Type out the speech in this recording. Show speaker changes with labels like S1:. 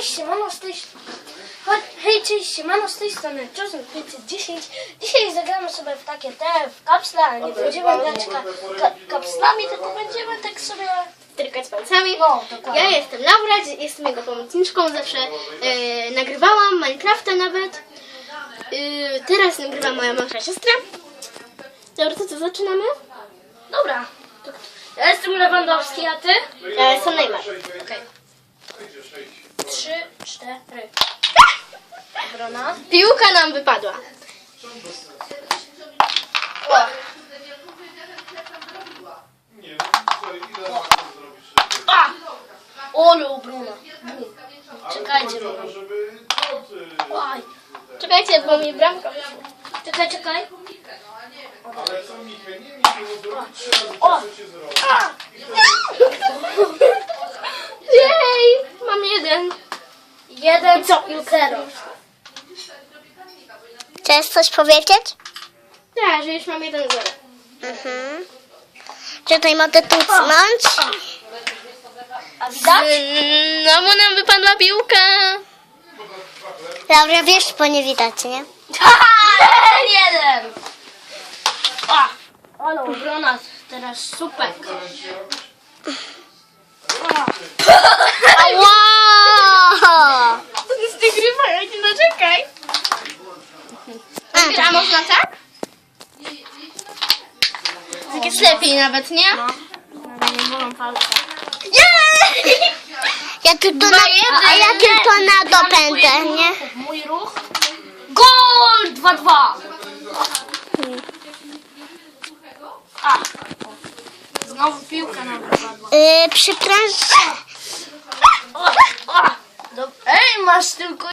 S1: siemano z tej siemano z tej strony Joseph 510. Dzisiaj zagramy sobie w takie w kapsle, nie będziemy grać kapslami, tylko będziemy tak sobie
S2: Trykać palcami.
S1: No, dokładnie.
S2: Ja jestem Laura, jestem jego pomocniczką, zawsze nagrywałam Minecrafta nawet. Teraz nagrywa moja młodsza siostra. Dobra, to co, zaczynamy?
S1: Dobra. Ja jestem Lewandowski, a ty?
S2: Ja jestem Neymar.
S1: Okej. 3, 4. Obrona.
S2: Piłka nam wypadła.
S1: O. A! Ole obrona. Czekajcie, Oj.
S2: Czekajcie, bo mi bramka wyszła.
S1: Czekaj. O! A!
S2: Jej! Mam 1.
S1: 1-0.
S3: Chcesz coś powiedzieć?
S2: Tak, że już mam 1-0.
S3: Tutaj mogę tucnąć.
S1: A widać?
S2: No bo nam wypadła piłka.
S3: Laura, wiesz, bo nie widać, nie?
S1: 1. Ale obrona teraz super.
S3: Wow!
S2: To jest nagrywanie, no czekaj. A można tak? Tak jest lepiej nawet, nie?
S1: Nie bolą palce.
S2: Jej!
S3: Ja tylko na dopędę, nie?
S1: Mój ruch. Gol! 2-2. A. Znowu piłka nam wypadła.
S3: Przepraszam.
S1: Ej, masz tylko